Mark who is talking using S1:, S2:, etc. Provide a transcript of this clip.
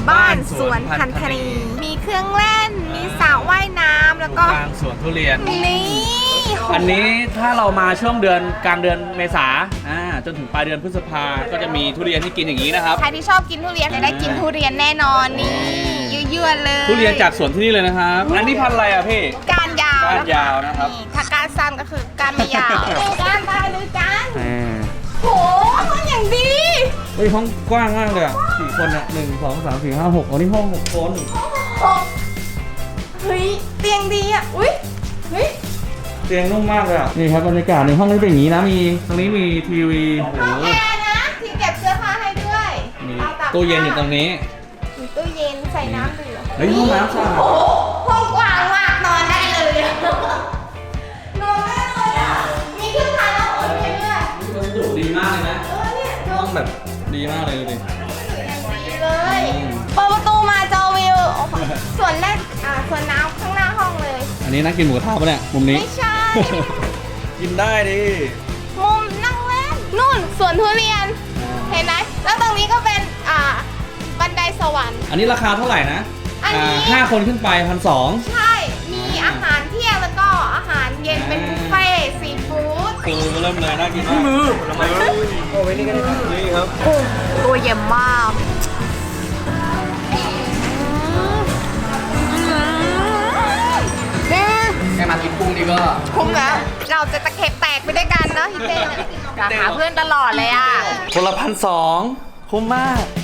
S1: บ้านสวนพันธนีมีเครื่องเล่นมีสระว่ายน้ำแล้วก็
S2: กลางสวนทุเรียน
S1: นี่
S2: อันนี้ถ้าเรามาช่วงเดือนกลางเดือนเมษาจนถึงปลายเดือนพฤษภาก็จะมีทุเรียนที่กินอย่างนี้นะครับ
S1: ใครที่ชอบกินทุเรียนจะได้กินทุเรียนแน่นอนนี่ยั่วๆเลย
S2: ทุเรียนจากสวนที่นี่เลยนะครับ อันนี้พันธุ์อะไรอ่ะพี่
S1: ก้านยาว
S2: ก้านยาวนะครับ
S1: ถ้าก้านสั้นก็คือก้านไม่ยาวก้านได้เลยก้านโหห้องอย่างดี
S2: เฮ้ยห้องกว้างมากเลยอ่ะ4 คนอ่ะ1 2 3 4 5 6อันนี้ห้อง6 คน
S1: เฮ้ยเตียงดีอ่ะอุ้ยเฮ้ย
S2: เตียงนุ่มมากเลยอ่ะนี่ครับบรรยากาศในห้องนี้เป็นอย่างนี้นะมีตรงนี้มีทีวีโอ้โห
S1: ห้องแอร์นะที่เก็บเสื้อผ้าให้ด้วย
S2: มี
S1: อาตาก
S2: ตู้เย็นอยู่ตรงนี้
S1: มีตู้เย็นใส่น้ำดื่ม
S2: เฮ้ยห้องน้ำสะอาด
S1: โอ้โหห้องกว้างมากนอนได้เลยอะนอนได้เลยอ่ะมีเครื่องทานน้ำอุ่นให้ด้วย
S2: วัสดุดีมากเลยนะ
S1: เนี่ยดู
S2: ห้องแบบดีมากเลยดูดิ
S1: ดีเลยเปิดประตูมาเจอวิวโอ้โหส่วนแรกส่วนน้ำข้างหน้าห้องเลย
S2: อันนี้นักกินหมูกระทะปะเนี่ยมุมนี้
S1: ไม่ใช่
S2: กินได้ดิ
S1: มุมนั่งเล่นนู่นสวนทุเรียน เห็นไหมแล้วตรงนี้ก็เป็นบันไดสวรรค์
S2: อันนี้ราคาเท่าไหร่นะ
S1: อันนี้
S2: 5 คนขึ้นไป1,200
S1: ใช่ มีอาหารเที่ยงแล้วก็อาหารเย็นเป็นบุฟเฟ่ต์ซีฟู้ด
S2: คือเริ่มเลยน่ากินมากมือผลไม้โอ้ไว้นี่กันนี่ครับ
S1: ตัวเยี่ยมมาก
S2: แค่มากินกุ้งนี่ก็
S1: คุ้มแล้ว เราจะตะเข็บแตกไปด้วยกันเนาะพี่เต้หาเพื่อนตลอดเลยอ่ะ
S2: คนละ1,200คุ้มมาก